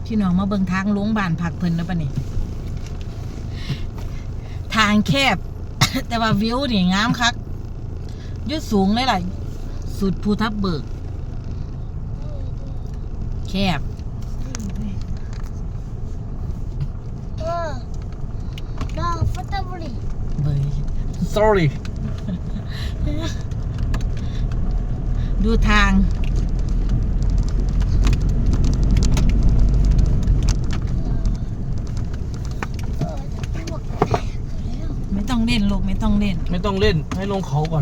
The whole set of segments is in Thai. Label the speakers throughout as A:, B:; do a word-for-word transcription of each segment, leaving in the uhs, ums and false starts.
A: พี่น้องมาเบิ่งทางลงบ้านพักเพิ่นแล้วปะนี่ทางแคบ แต่ว่าวิวนี่งามคักยอดสูงเลยล่ะสุดภูทับเบิกแคบ
B: เออดอกฟัตเตอร์บุรี
A: เบย
C: sorry
A: ดูทางไม่ต้องเล่นลูกไม่ต้องเล่น
C: ไม่ต้องเล่นให้ลงเขาก่อน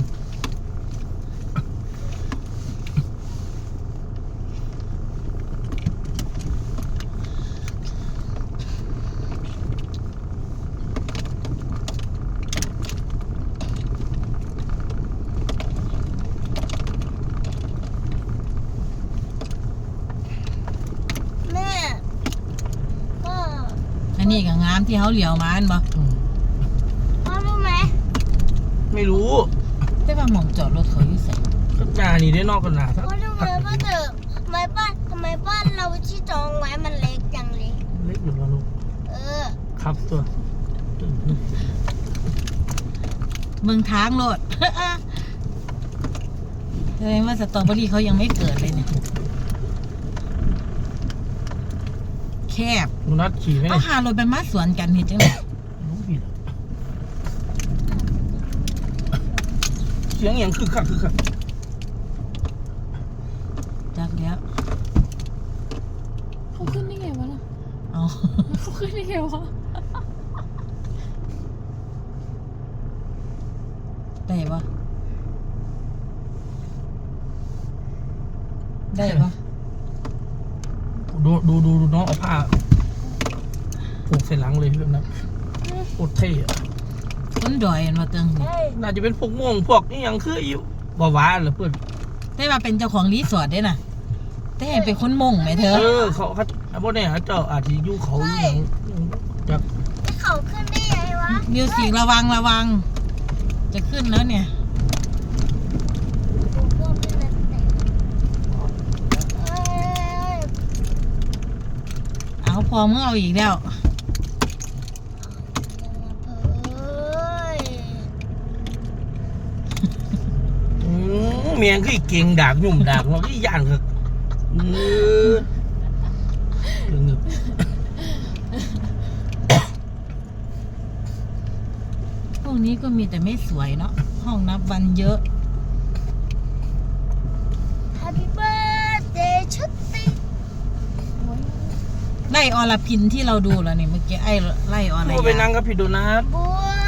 B: แม่พ่อ
A: อันนี้ก็งามที่เขาเหลียวมาอันบ่
C: อืม
B: พ่อรู้ไหม
C: ไม่รู้
A: แต่ว่าหม่องจอดรถเขาอยู่ไส
C: ก็หนานี่ได้นอกกันหนา
B: พ่อรู้ไหมพ่อเถอะทำไมบ้านทำไมบ้านเราที่จองไว้มันเล็กจังเลย
C: เล็กอยู่แล้วลูก
B: เออ
C: ครับตัว
A: เมืองทางโลด แสดงว่าสตรอเบอรี่เขายังไม่เกิดเลยเนี่ยแคบ
C: ลุงนัดขี่ไหม
A: เอา
C: เนี่ย
A: หารถไปมาสวนกันเห็นจังได๋
C: ลุงผิดเสียงอย่างคือคักคือคัก
A: จักแล้ว
D: เขาขึ้นได้ไงวะล่ะ
A: เอา
D: เขาขึ้นได้ไงวะ
A: ได้ปะได้ปะ
C: ดูดูดูดูน้องเอาผ้าผูกใส่หลังเลยแบบนั้นโคตรเท่อะ
A: คนดอยเห็นมาเติง
B: เฮ้ย
C: น่าจะเป็นพวกม่วงพวกนี่ยังคืออยู่บ่าวาเหรอเพื่อน
A: ได้มาเป็นเจ้าของรีสอร์ทได้น่ะแต่เห็นเป็นคนมงไหมเธอ
C: เออเขาเขาพวกเนี่ยเจ้าอาจจะอยู่เขาอยู่อย่างจาก
B: เขาขึ้นได้ไงวะ
A: มิวสิกระวังระวัง จะขึ้นแล้วเนี่ย
B: พวกเป็นนักเตะเอ้ย
A: เอาพอมึงเอาอีกแล้ว
B: เอ้ย
C: อืมเมียงคือเก่งดากหนุ่มดากเราที่ย่านคือเออเรื่องเงบ
A: พวกนี้ก็มีแต่ไม่สวยเนาะห้องนับวันเยอะ
B: Happy birthday ชุดติ
A: ไล่อรพินที่เราดูแล้วนี่เมื่อกี้ไอ้ไล่อร
C: ก็ไป
A: ยา
C: นั่งกับพี่โดนัท
B: บัว